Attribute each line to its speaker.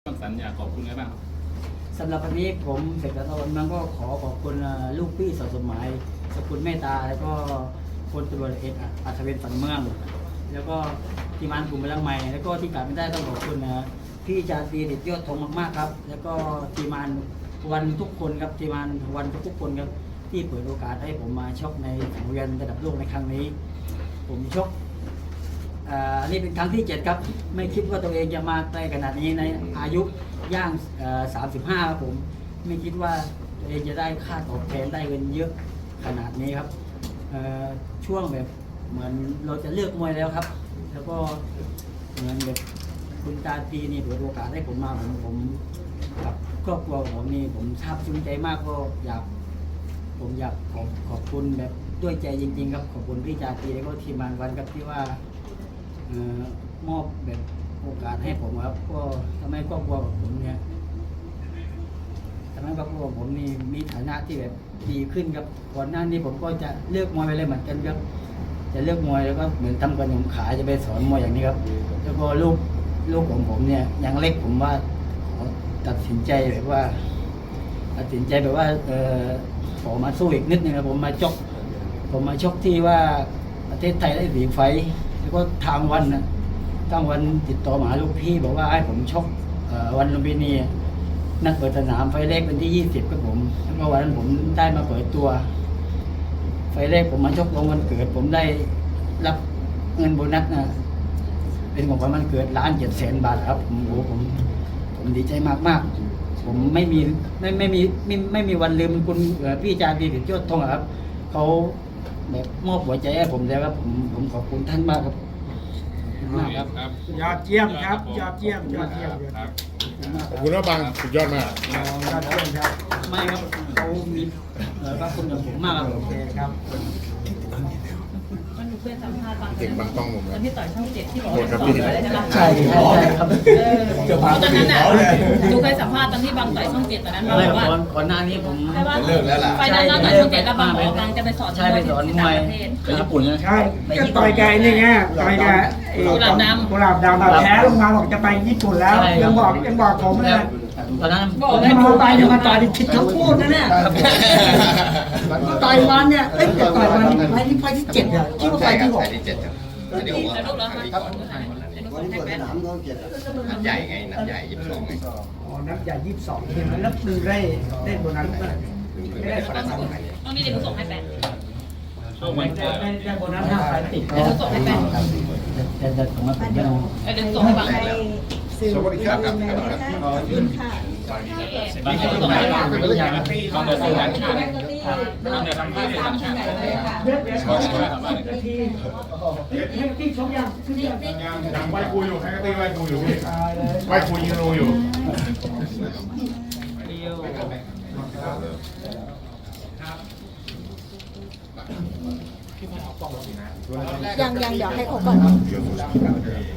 Speaker 1: สัญญาขอบคุณอะไรบ้างครับ
Speaker 2: สำหรับวันนี้ผมเสกสรรมันก็ขอขอบคุณลูกพี่สมัยสกุลเมตตาแล้วก็พลตำรวจเอกอัศวินฝันเมืองแล้วก็ทีมงานกลุ่มพลังใหม่แล้วก็ที่ขาดไม่ได้ต้องขอบคุณพี่จารีเด็ดยอดธงมากๆครับแล้วก็ทีมงานวันทุกคนครับทีมงานวันทุกคนครับที่เปิดโอกาสให้ผมมาชกในสังเวียนระดับโลกในครั้งนี้ผมชกอันนี้เป็นครั้งที่ 7ครับไม่คิดว่าตัวเองจะมาไกลขนาดนี้ในอายุย่าง35ครับผมไม่คิดว่าตัวเองจะได้ค่าตอบแทนได้เงินเยอะขนาดนี้ครับช่วงแบบเหมือนเราจะเลือกมวยแล้วครับแล้วก็เหมือนแบบคุณตาตีนี่เปิดโอกาสให้ผมมาผมกับครอบครัวของผมนี่ผมซาบซึ้งใจมากก็ผมอยากขอบคุณแบบด้วยใจจริงๆครับขอบคุณพี่จาตีแล้วก็ทีมงานวันครับที่ว่ามอบแบบโอกาสให้ผมครับก็ทำให้ครอบครัวของผมเนี่ยทำให้ครอบครัวของผมนี่มีฐานะที่แบบดีขึ้นครับก่อนหน้านี้ผมก็จะเลือกมวยไปเลยเหมือนกันครับจะเลือกมวยแล้วก็เหมือนทำขนมขายจะไปสอนมวยอย่างนี้ครับแล้วก็ลูกของผมเนี่ยยังเล็กผมว่าตัดสินใจแบบว่าขอมาสู้อีกนิดนึงครับผมมาชกที่ว่าประเทศไทยได้สีไฟแล้วก็ทางวันติดต่อมาลูกพี่บอกว่าให้ผมชกวันลุมพินีนัดเปิดสนามไฟแรกเป็นที่20ครับผมแล้วก็วันนั้นผมได้มาเปิดตัวไฟแรกผมมาชกลงวันเกิดผมได้รับเงินโบนัสนะเป็นของขวัญวันเกิด1,700,000 บาทครับผมดีใจมากๆผมไม่มีวันลืมคุณพี่จารีเด็ดยอดธงครับเขาแบบมอบหัวใจให้ผมแล้วครับผมขอบคุณท่านมากครับมากครับ
Speaker 3: ยอดเยี่ยมครับยอดเยี่ยม
Speaker 1: ครับ
Speaker 4: ขอบคุณมากบางสุดยอดมาก
Speaker 3: ยอดเยี่ยมครับ
Speaker 2: ไม่ครับเขามีพระคุณกับผมมากครับ
Speaker 3: โอเคครับ
Speaker 5: มันหนูเคยสัมภาษณ์บาง
Speaker 4: เด็กบางกล้องผม
Speaker 5: ตอนที่ต่อยช่อง7ที่บอก
Speaker 4: โทษ
Speaker 5: ว่า
Speaker 4: ครับ
Speaker 5: ส
Speaker 4: พี่
Speaker 5: อนอะไรใช่ไหม
Speaker 2: ใช่ครับ
Speaker 5: ตอนนั้นน่ะหนูเคยสัมภาษณ์ตอนที่บางต่อยช่อง7ตอนนั้นบาง
Speaker 2: ไม่
Speaker 5: บอกว่า
Speaker 2: ก่อนหน้านี้ผม
Speaker 5: ใช่ว่า
Speaker 4: เลิกแล้วล่ะ
Speaker 5: ไฟนั้นแล้วต่อยช่อง7แล้วบางบอกบางจะไปสอน
Speaker 2: ใช่ไปสอนมวย
Speaker 1: ไปญี่ปุ่นใช่ไหม
Speaker 3: ใช่ก็ต่อยไก่นี่ไงต่อยไก่กุหลาบดำแพ้ลงมาบอกจะไปญี่ปุ่นแล้วยังบอกผมเลย
Speaker 2: ตอนนั้น
Speaker 5: บอก
Speaker 3: ไม่มาต่อยยังมาต่อยผิดคำพูดนะเนี่ยก็ต่อยวันเนี่ยจะต่อยวันไฟที่7อ่ะคิดว่าไฟที่6
Speaker 5: แล้วลูกเหรอคะครับวันนี้เปิดสนาม
Speaker 4: นัดใหญ่ไงนัดใหญ่22ไง
Speaker 3: อ๋อนัดใหญ่22ใช่ไหมแล้วดึงได้โบนัสไม่ได้ฝากตังค์
Speaker 5: ต้องมีเด็กผู้ส่งให้แปด
Speaker 3: ได้โบนัส5,000ติด
Speaker 5: เด็กผู้ส่งให้แปด
Speaker 2: แต่ผมมาเป็นยัง
Speaker 5: เด็กผู้ส่งให้บาง
Speaker 4: สวัสดีครับ
Speaker 6: ขอบคุณค่ะ
Speaker 5: บางเด็กผู้ส่งให้บาง
Speaker 1: บางเดือนซื้อร้านชาบางเดือนทำผ้าเป็นร้านชา
Speaker 3: ที่ชมยัง
Speaker 4: ยังไหว้ครูอยู่ให้ก็ตีไหว้ครูอยู่พี่ไหว้ครูยิงรูอยู่
Speaker 6: ยังเดี๋ยวให้เขาก่อน